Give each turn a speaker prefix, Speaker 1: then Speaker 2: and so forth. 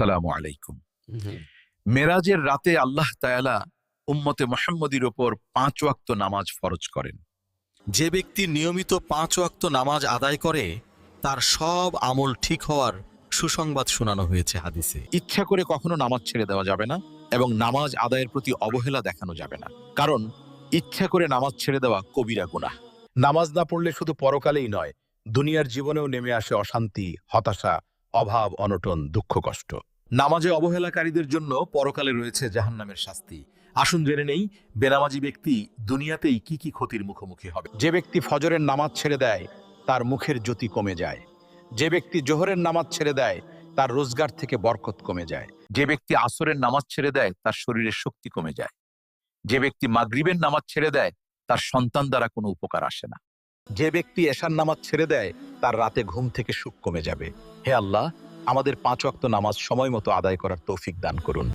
Speaker 1: আসসালামু আলাইকুম।
Speaker 2: হুম।
Speaker 1: মেরাজের রাতে আল্লাহ তাআলা উম্মতে মুহাম্মদীর উপর ৫ ওয়াক্ত নামাজ ফরজ করেন।
Speaker 2: যে ব্যক্তি নিয়মিত ৫ ওয়াক্ত নামাজ আদায় করে তার সব আমল ঠিক হওয়ার সুসংবাদ শোনানো হয়েছে হাদিসে।
Speaker 1: ইচ্ছা করে কখনো নামাজ ছেড়ে দেওয়া যাবে না এবং নামাজ আদায়ের প্রতি অবহেলা দেখানো যাবে না, কারণ ইচ্ছা করে নামাজ ছেড়ে দেওয়া কবিরা গুনাহ। নামাজ না পড়লে শুধু পরকালেই নয়, দুনিয়ার জীবনেও নেমে আসে অশান্তি, হতাশা, অভাব, অনটন, দুঃখ, কষ্ট। নামাজে অবহেলাকারীদের জন্য পরকালে রয়েছে জাহান্নামের শাস্তি। আসুন জেনে নেই বেনামাজি ব্যক্তি দুনিয়াতেই কি কি ক্ষতির মুখোমুখি হবে। যে ব্যক্তি ফজরের নামাজ ছেড়ে দেয় তার মুখের জ্যোতি কমে যায়। যে ব্যক্তি জোহরের নামাজ ছেড়ে দেয় তার রোজগার থেকে বরকত কমে যায়। যে ব্যক্তি আসরের নামাজ ছেড়ে দেয় তার শরীরের শক্তি কমে যায়। যে ব্যক্তি মাগরিবের নামাজ ছেড়ে দেয় তার সন্তান দ্বারা কোনো উপকার আসে না। যে ব্যক্তি এশার নামাজ ছেড়ে দেয় তার রাতে ঘুম থেকে সুখ কমে যাবে। হে আল্লাহ, আমাদের ৫ ওয়াক্ত নামাজ সময় মতো আদায় করার তৌফিক দান করুন।